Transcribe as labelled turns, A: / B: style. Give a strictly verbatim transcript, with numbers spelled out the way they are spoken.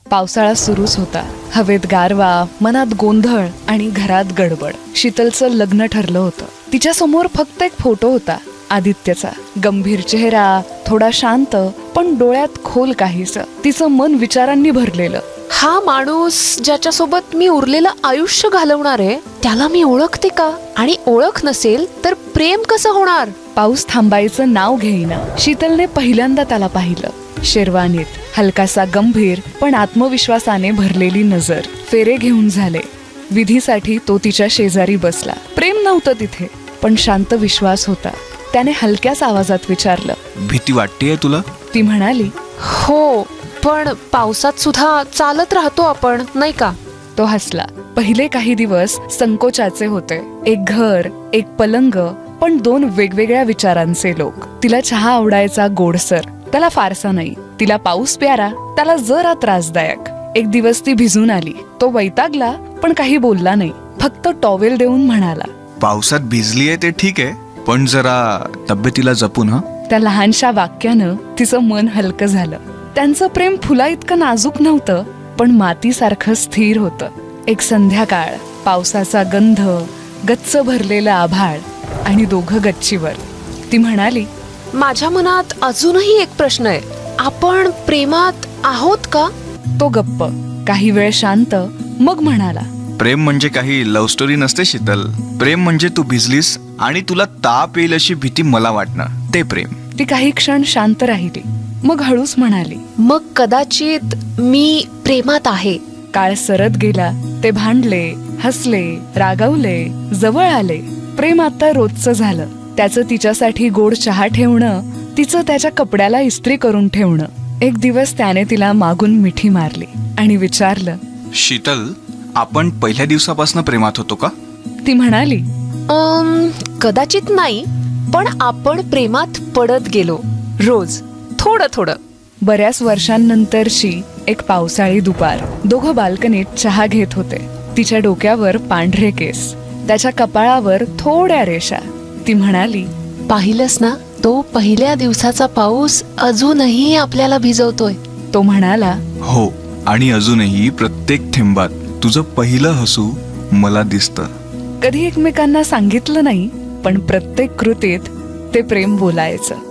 A: पावसाळा सुरूच होता. हवेत गारवा, मनात गोंधळ आणि घरात गडबड. शीतलचं लग्न ठरलं होतं. तिच्या समोर फक्त एक फोटो होता, आदित्यचा. गंभीर चेहरा, थोडा शांत, पण डोळ्यात खोल काहीस. तिचं मन विचारांनी भरलेलं.
B: हा माणूस ज्याच्यासोबत मी उरलेलं आयुष्य घालवणार आहे, त्याला मी ओळखते का? आणि ओळख नसेल तर प्रेम कसं होणार?
A: पाऊस थांबायचं नाव घेईना. शीतलने पहिल्यांदा त्याला पाहिलं. शेरवानीत, हलकासा गंभीर पण आत्मविश्वासाने भरलेली नजर. फेरे घेऊन झाले. विधीसाठी तो तिच्या शेजारी बसला. प्रेम नव्हतं तिथे, पण शांत विश्वास होता. त्याने हलक्याच आवाजात विचारलं,
C: भीती वाटतेय तुला?
A: ती म्हणाली,
B: हो, पण पावसात सुद्धा चालत राहतो आपण, नाही का?
A: तो हसला. पहिले काही दिवस संकोचाचे होते. एक घर, एक पलंग, पण दोन वेगवेगळ्या विचारांचे लोक. तिला चहा आवडायचा गोडसर, त्याला फारसा नाही. तिला पाऊस प्यारा, त्याला जरा त्रासदायक. एक दिवस ती भिजून आली. तो वैतागला, पण काही बोलला नाही. फक्त टॉवेल देऊन म्हणाला,
C: पावसात भिजलीये ते ठीक आहे, पण जरा तब्येतीला जपून हा.
A: त्या लहानशा वाक्यानं तिचं मन हलकं झालं. त्यांचं प्रेम फुला इतकं नाजूक नव्हतं, पण मातीसारखं स्थिर होतं. एक संध्याकाळ, पावसाचा गंध, गच्च भरलेलं आभाळ आणि दोघं गच्चीवर. ती म्हणाली,
B: माझ्या मनात अजूनही एक प्रश्न आहे. आपण प्रेमात आहोत का?
A: तो गप्प, काही वेळ शांत, मग म्हणाला,
C: प्रेम म्हणजे काही लव्ह स्टोरी नसते शीतल. प्रेम म्हणजे तू भिजलीस आणि तुला ताप येईल अशी भीती मला वाटणं, ते प्रेम.
A: ती काही क्षण शांत राहिली, मग हळूच म्हणाली,
B: मग कदाचित मी प्रेमात आहे.
A: काळ सरत गेला. ते भांडले, हसले, रागावले, जवळ आले. प्रेम आता रोजचं झालं. त्याचं तिच्यासाठी गोड चहा ठेवणं, तिचं त्याच्या कपड्याला इस्त्री करून ठेवणं. एक दिवस त्याने तिला मागून मिठी मारली आणि विचारलं,
C: शीतल, आपण पहिल्या दिवसापासून प्रेमात होतो का?
A: ती म्हणाली,
B: अम, कदाचित नाही, पण आपण प्रेमात पडत गेलो. रोज थोडं थोडं.
A: बऱ्याच वर्षांनंतरची एक पावसाळी दुपार. दोघं बाल्कनीत चहा घेत होते. तिच्या डोक्यावर पांढरे केस, त्याच्या कपाळावर थोड्या रेषा. ती म्हणाली,
B: पाहिलंस ना, तो पहिल्या दिवसाचा पाऊस अजूनही आपल्याला भिजवतोय.
A: तो म्हणाला,
C: हो, आणि अजूनही प्रत्येक थेंबात तुझं पहिलं हसू मला दिसतं.
A: कधी एकमेकांना सांगितलं नाही, पण प्रत्येक कृतीत ते प्रेम बोलायचं.